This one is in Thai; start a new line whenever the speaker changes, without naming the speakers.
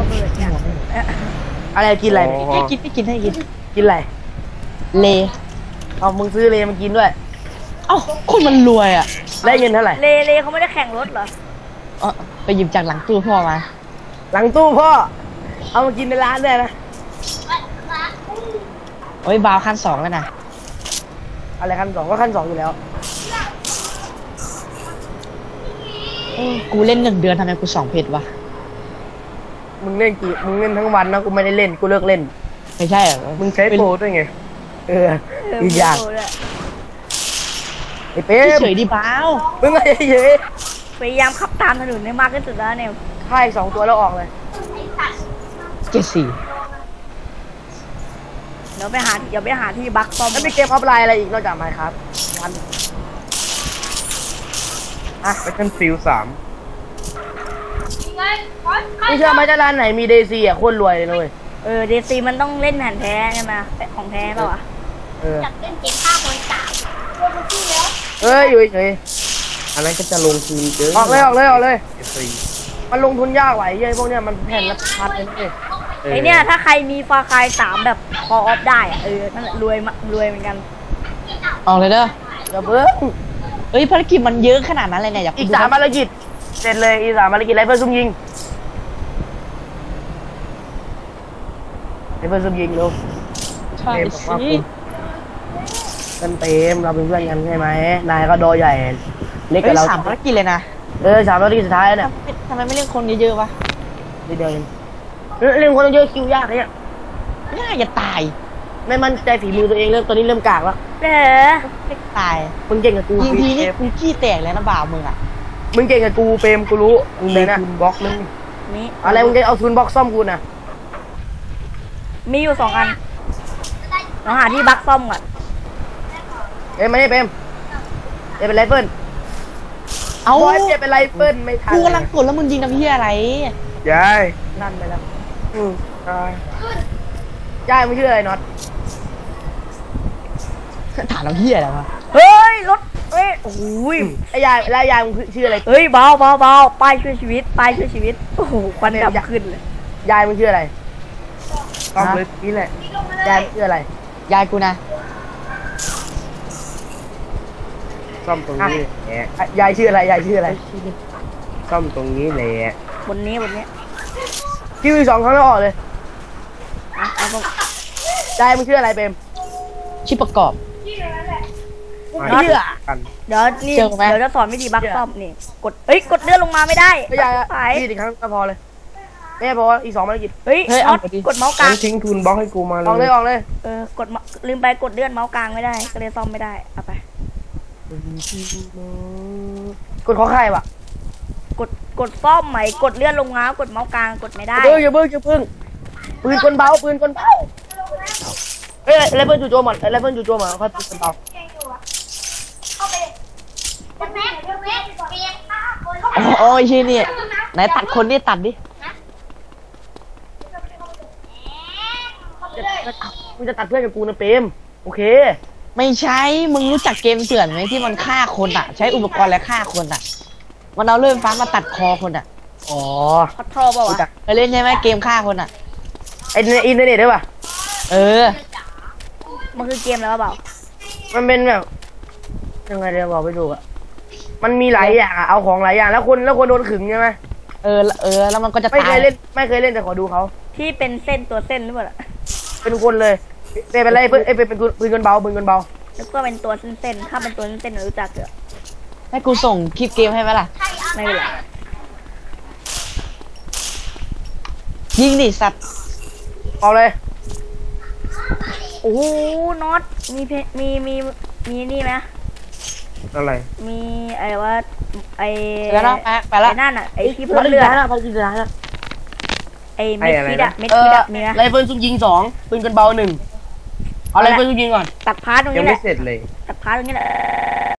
ระเบิดเนี่ย
อะไรกินอะไร
ให้กินให้กินให้กิน
กินอะไร
เล
เอามึงซื้อเลมากินด้วย
เอ้าคนมันรวยอ่ะ
ได้เงินเท่าไหร่
เลเขาไม่ได้แข่งรถเหรอ
ไปหยิบจากหลังตู้พ่อมา
หลังตู้พ่อเอามากินในร้านได้นะ
โอ้ยบาวขั้น 2แล้วนะ
อะไรขั้นสองก็ขั้นสองอยู่แล้ว
กูเล่น1 เดือนทำไมกู2 เพจวะ
มึงเล่นทั้งวันนะกูไม่ได้เล่นกูเลิกเล่น
ไม่ใช่เหรอ
มึงใช้โปรด้วยไงอีกอย่างไอ้เป๊ม
เฉยดิบาว
มึงไงเย้ย
พยายามขับตามถนนให้มากที่สุดแล้วเนี่ย
ค่าย2 ตัวแล้วออกเลย
74
เดี๋ยวไปหาที่บักซ่อม
แล้วมีเกมออฟไลน์อะไรอีกนอกจากไมค์ครับวัน
ไปขึ้นฟิล3
ไม่เชื่อไหมจะร้านไหนมีเดซีอ่ะโคตรรวยเลยนะเว้ย
เดซีมันต้องเล่นแผ่นแท้ใช่ไหมของแท้เปล่าวะ
จับเล่นเกมฆ่าคน3ตัวมันขึ้นแล้ว
เฮ้ยอยู่เฉย
อันนั้นก็จะลงทุนเยอะ
ออกเลย
ฟรี
มันลงทุนยากไหวเย้ยพวกเนี้ยมันแผ่นละพันเลยนะเว้ย
ไอเนี่ยถ้าใครมีฟาคาย3แบบคอออฟได้อะนั่นแหละรวยเหมือนกัน
ออกเลยเด้อ
อย่าเพิ่ง
เอ้ยภารกิจมันเยอะขนาดนั้นเลยเนี่ยอยาก
อีก3 ภารกิจเสร็จเลยอีก3 ภารกิจไรเฟิลซุ่มยิงไรเฟิลซุ่มยิงเร็ว
ใช่
เต็มบอกว่า
สิ
เต็มเราเป็นเพื่อนกันใช่ไหมนายก็โดใหญ่เล็ก
เอ้
กับ
ย
เรา
3 ภารกิจเลยนะ
3 ภารกิจสุดท้ายเนี่ย
ทำไมไม่เล่นคนเยอะๆวะ
นิดเดียวเองเล่นคนต้องเยอะคิวยากเนี่ย
ง่ายจะตาย
ไม่มั่นใจฝีมือตัวเองตอนนี้เริ่มกากแล้ว
ไม่ตาย
มึงเก่งกับกู
ยิงทีนี่
เฟ
กูขี้แตกเลยนะบ่าวมึงอ่ะ
มึงเก่งกับกูเฟรมกูรู้มึงเลยนะ
ทุนบล็อกนึง
นี่
อะไรมึงจะเอาทุนบล็อกซ่อมกูนะ
มีอยู่2 อันเราหาที่บักซ่อมก่อน
ไม่ได้เฟรมเป็นไรเฟิล
เอ้า
บอยเป็นไรเฟิลไม่ทัน
กูกำลังกดแล้วมึงยิงทำเหี้ยอะไร
ยาย
นั่นไปแล้ว
ยาย
ย่ายมึงชื่ออะไรน็อต
ถามเราเหี้ยอะไรวะ
เฮ้ยรถโอ้ย
ไอ้ยายมึงชื่ออะไร
เบาป้ายช่วยชีวิตโอ้โหควันดำขึ้นเลย
ยายมึงชื่ออะไร
ต้องเลยนี่แหละ
ยายมึงชื่ออะไร
ยายกูนะ
ซ่อมตรงนี้แหละ
ยายชื่ออะไร
ซ่อมตรงนี้แหละ
บนนี้
คิวอีก2 ครั้งแล้วออกเลย
เอาผม
ยายมึงชื่ออะไรเฟรม
ชื่อประกอบ
ไม่เชื่อ
กัน
เดี๋ยวนี่
เจอไหม
เดี๋ยวจะสอนวิธีบักซ่อมนี่กดเลื่อนลงมาไม่ได้
ไม่ยาย
สาย
ยี่สิบครั้งก็พอเลยแม่บอกว่าอีก2 ภารกิจ
เฮ้ย
เอาดิ
กดเมาส์กลา
งั้
ง
นทิ้งทุนบล็อกให้กูมา
ออกเลย
ลืมไปกดเลื่อนเมาส์กลางไม่ได้ก็เลยซ่อมไม่ได้เอาไป
กดขอไข่ว่ะ
กดซ่อมใหม่กดเลื่อนลงมากดเมาส์กลางกดไม่ได้
อย่าเพิ่งปืนกลเบาไรเฟิลจู่โจมไรเฟิลจู่โจมเขาปืนกลเบา
เข้าไปจะแม็กเกมฆ่าคน
โอ้ยชื่อนี่ไหนตัดคนนี่ตัดดิ
มึงจะตัดเพื่อนกับกูนะเปรมโอเค
ไม่ใช่ มึงรู้จักเกมเถื่อนไหมที่มันฆ่าคนอ่ะ ใช้อุปกรณ์และฆ่าคนอ่ะ มันเอาเลื่อยไฟฟ้ามาตัดคอคนอ่ะ
อ๋อ
คอทอเปล่าวะ
เคยเล่นใช่ไหมเกมฆ่าคนอ่ะ
ไอในอินเทอร์เน็ตด้วยป่ะ
เออ
มันคือเกมแล้วเปล่า
มันเป็นแบบยังไงเดี๋ยวบอกไปดูอ่ะมันมีหลายอย่างอ่ะเอาของหลายอย่างแล้วคนโดนขึงใช่ไหม
แล้วมันก็จะ
ไม่
ตา
เค
ย
ยเล่นแต่ขอดูเขา
ที่เป็นเส้นตัวเส้นหรือเปล่าล่ะ
เป็นคนเลยเป็นไรเพื่อนเป็นปืนกลเบา
แล้วก็เป็นตัวเส้นถ้าเป็นตัวเส้นๆรู้จักเหรอ
ให้กูส่งคลิปเกมให้ไหมล่ะ
ไม่เป็นไร
ยิงดิสัตว์
เอาเลย
โอ้โหน็อตมีนี่ไหม
อะไร
มีอะไรว่าไอ
แล้วนะไปละ
ไอ้นั่นอ่ะไอที่พ่นเลือด
พันกินสุดท้ายแล้ว
ไอเม็ดพิษอะเม็ดพิษอะมีไหม
ไรเฟิลซุ่มยิง2ปืนกลเบา1เอาไรเฟิลซุ่มยิงก่อน
ตัดพาร์ทตรง
ยัง
นี้แห
ไม่
ละ
เสร็จเลย
ตัดพาร์ทตรงนี้แหละ